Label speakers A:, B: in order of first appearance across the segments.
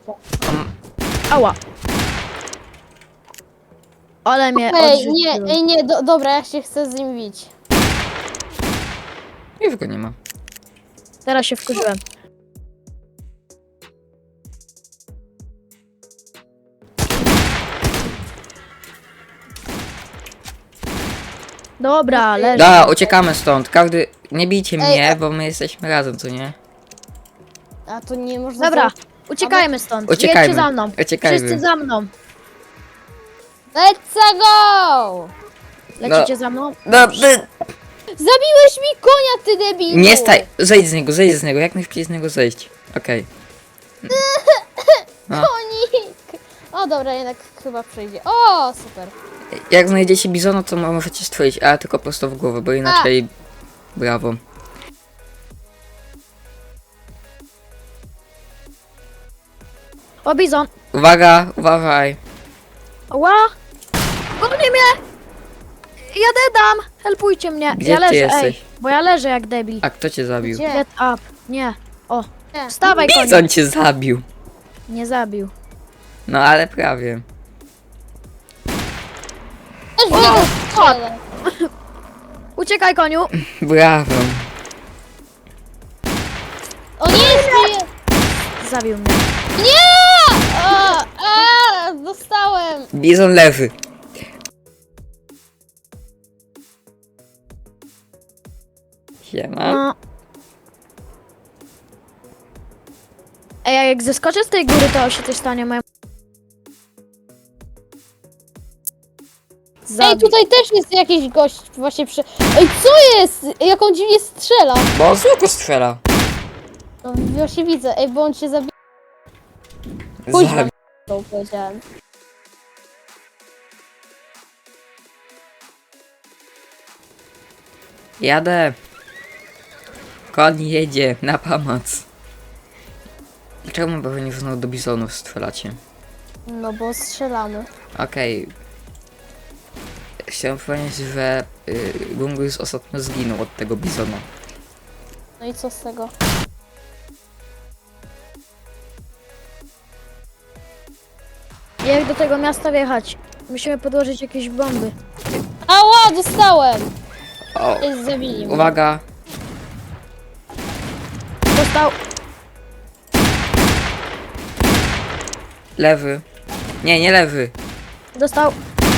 A: Ała. Ale mnie
B: Ej, nie,
A: odrzuciło.
B: ej, nie, dobra, ja się chcę z nim bić.
C: Już go nie ma.
A: Teraz się wkurzyłem. Dobra, leży.
C: Da, uciekamy stąd. Każdy... Nie bijcie mnie, bo my jesteśmy razem, co nie?
B: A to nie można...
A: Dobra, uciekajmy stąd.
C: Uciekajmy.
A: Jedźcie za mną.
C: Uciekajmy.
A: Wszyscy za mną.
B: Let's go!
A: Lecicie za mną?
C: No,
B: Zabiłeś mi konia, ty debilu!
C: nie staj... Zejdź z niego. Jak najszybciej z niego zejść. Okej. No.
B: Konik! O, dobra, jednak chyba przejdzie. O, super.
C: Jak znajdziecie bizona, to możecie stworzyć, ale tylko prosto w głowę, bo inaczej... Brawo.
A: O, bizon.
C: Uwaga, uważaj.
A: Ła! Goni mnie! Ja dedam! Helpujcie mnie.
C: Gdzie
A: ja
C: ty
A: leżę,
C: jesteś?
A: bo ja leżę jak debil.
C: A kto cię zabił?
B: Gdzie?
A: Get up. Nie. O,
B: Nie.
A: wstawaj konie.
C: Bizon cię zabił.
A: Nie zabił.
C: No ale prawie.
B: Też w niego strzelę.
A: Uciekaj koniu.
C: Brawo.
B: O nie, żyje!
A: Zabił mnie.
B: Nie! Dostałem!
C: Bizon lewy. Siema.
A: No. Ej, a jak zeskoczę z tej góry, to się coś stanie moim...
B: Ej, tutaj też jest jakiś gość właśnie przy... Ej, co jest? Jak on dziwnie strzela.
C: Bo on z łuku strzela.
B: No właśnie widzę. Ej, bo on cię zabija. Pójdź
C: Zabił.
B: to powiedziałem.
C: Jadę. Koń jedzie na pomoc. Czemu by nie znowu do bizonów strzelacie?
B: No bo strzelamy.
C: Okej. Chciałem powiedzieć, że Gungus ostatnio zginął od tego bizona.
B: No i co z tego?
A: Jak do tego miasta wjechać? Musimy podłożyć jakieś bomby.
B: Ała, dostałem!
C: O,
B: Ej, zabili mnie.
C: uwaga.
A: Dostał.
C: Lewy. Nie, nie lewy.
A: Dostał.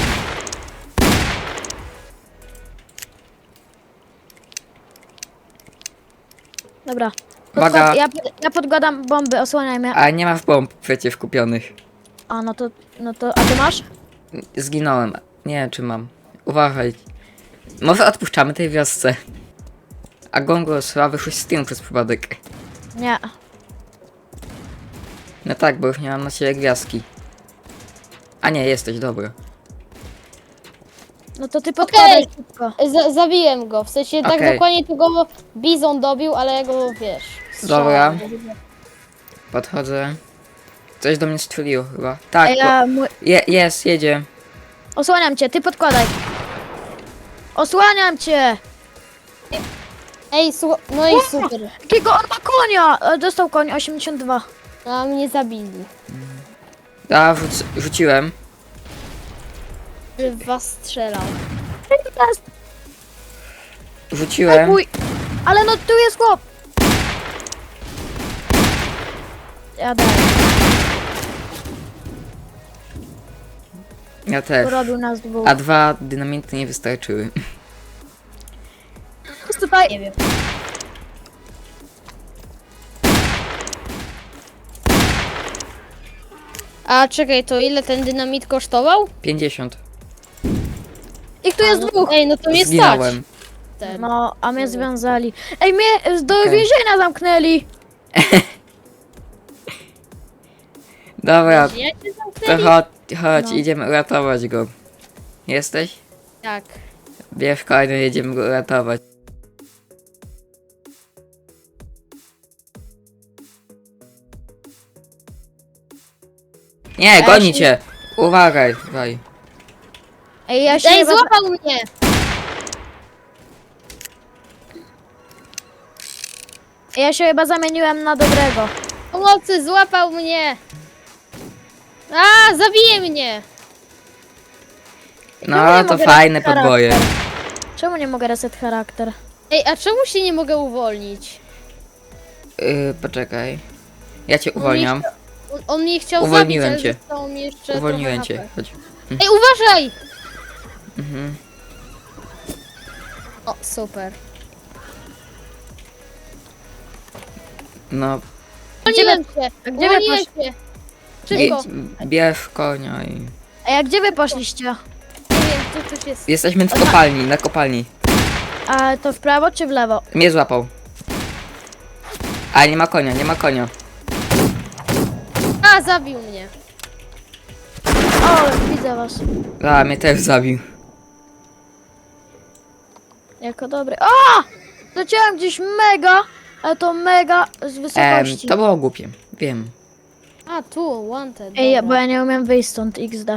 A: Dobra.
C: Uwaga.
A: Ja podkładam bomby, osłaniaj mnie.
C: A nie ma w bomb przecież kupionych.
A: A no to, a ty masz?
C: Zginąłem. Nie wiem czy mam. Uważaj. Może odpuszczamy tej wiosce. A Gongos wyszło z tym przez przypadek.
A: Nie.
C: No tak, bo już nie mam na siebie gwiazdki. A nie, jesteś, dobra.
A: No to ty podkładaj szybko.
B: Zabiłem go. W sensie tak
C: Okej.
B: dokładnie tego bizon dobił, ale ja go, wiesz...
C: Dobra.
B: strzelałem.
C: Podchodzę. Coś do mnie strzeliło chyba. Tak,
A: Ej, ja
C: jedzie.
A: osłaniam cię, ty podkładaj. Osłaniam cię!
B: Ej, słuchaj, no i super.
A: Jakiego on ma konia? Dostał koń 82.
B: A mnie zabili.
C: A, rzuciłem.
B: Że w was strzelał.
A: Jest.
C: Rzuciłem.
A: Uj, ale no tu jest chłop. Ja daję.
C: Ja też.
A: Porobił nas dwóch.
C: A 2 dynamity nie wystarczyły.
A: Jest tutaj. Nie wiem.
B: A czekaj, to ile ten dynamit kosztował?
C: 50.
A: Ich tu jest dwóch.
B: Ej, no to mnie stać.
C: Zginąłem.
A: No, a mnie związali. Ej, mnie do
C: Okej.
A: więzienia zamknęli.
C: Dobra,
B: Ja cię
C: to
B: zamknęli?
C: chodź,
A: No.
C: idziemy uratować go. Jesteś?
B: Tak.
C: Bierz konia, jedziemy go uratować. Nie, goni cię! Uwagaj, uwagaj.
A: Ej, ja się
B: Ej,
A: chyba...
B: złapał mnie!
A: Ja się chyba zamieniłem na dobrego.
B: Pomocy, złapał mnie! A, zabije mnie!
A: Czemu
C: No
A: nie
C: to
A: mogę
C: fajne
A: reset
C: podboje.
A: charakter? Czemu nie mogę reset charakter?
B: Ej, a czemu się nie mogę uwolnić?
C: Poczekaj. Ja cię uwolniam.
B: On mnie chciał
C: Uwolniłem
B: zabić, ale
C: cię.
B: zostało mi jeszcze
C: Uwolniłem
B: trochę
C: cię.
B: HP.
C: Chodź.
B: Ej, uważaj!
C: Mhm.
B: O, super.
C: No,
B: Uwolniłem się!
A: A gdzie wy
B: Uwolniłem
A: posz...
B: się! Szybko!
C: bierz konia i...
A: Ej, a gdzie wy poszliście?
B: Nie wiem, tu coś jest.
C: Jesteśmy w kopalni, na kopalni.
A: A to w prawo czy w lewo?
C: Mnie złapał. A nie ma konia, nie ma konia.
B: A, zabił mnie.
A: O, widzę was.
C: A, mnie też zabił.
A: Jako dobry. O! Leciałem gdzieś mega, ale to mega z wysokości.
C: To było głupie, wiem.
B: A, tu, wanted.
A: Ej,
B: dobra.
A: bo ja nie umiem wyjść stąd XD.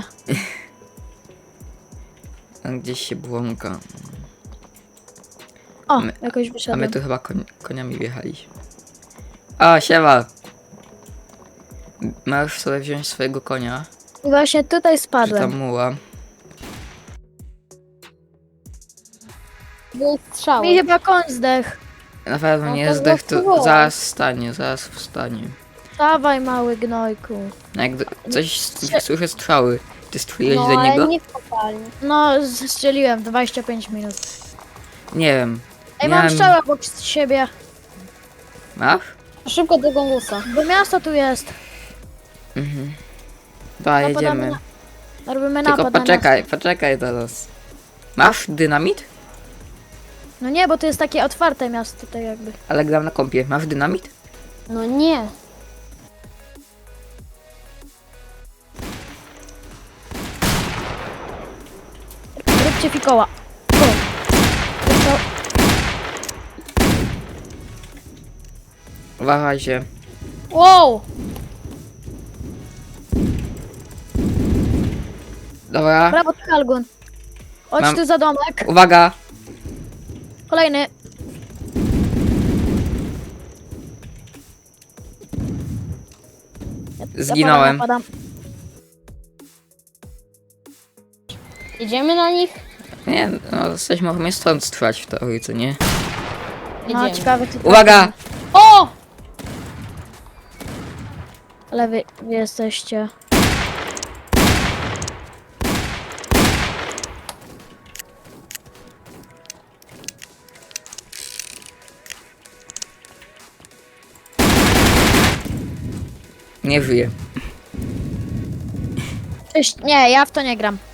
C: Tam gdzieś się błąka.
A: O,
C: My-
A: jakoś
C: A my
A: wyszedłem.
C: tu chyba koniami wjechaliśmy. O, siema. Możesz sobie wziąć swojego konia.
A: I właśnie tutaj
C: Czy
A: spadłem.
C: tam muła.
B: Były strzały.
A: Mi chyba koń zdechł.
C: Na pewno
B: No
C: nie
B: to
C: zdech, to
B: zaspróbować.
C: zaraz wstanie, zaraz wstanie.
A: Dawaj, mały gnojku.
C: No jak coś słyszę strzały. Ty strzeliłeś
B: No,
C: do
B: ale
C: niego?
B: nie w kopalni.
A: No, strzeliłem 25 minut.
C: Nie wiem.
A: Ej, mam
C: Miałem-
A: strzał obok siebie.
C: Masz?
B: Szybko do gongusa.
A: Bo miasto tu jest.
C: Mhm. Dobra,
A: Napadamy
C: jedziemy.
A: Robimy
C: Tylko
A: napad na
C: poczekaj teraz. Masz dynamit?
A: miasto. No nie, bo to jest takie otwarte miasto tutaj jakby.
C: Ale gram na kompie. Masz dynamit?
B: No nie.
A: Róbcie fikoła. O. To-
C: Uważaj się.
B: Wow!
C: Dobra.
A: Brawo, Kalgun. Chodź
C: Mam-
A: tu za domek.
C: Uwaga.
A: Kolejny.
C: Zginąłem.
A: Napadam.
B: Idziemy na nich?
C: Nie, no jesteśmy możemy stąd strzelać w teorii, co nie?
A: No,
B: Idziemy.
A: ciekawe czy to-
C: Uwaga!
B: O!
A: Ale wy jesteście.
C: Nie żyje.
A: Cześć. Nie, ja w to nie gram.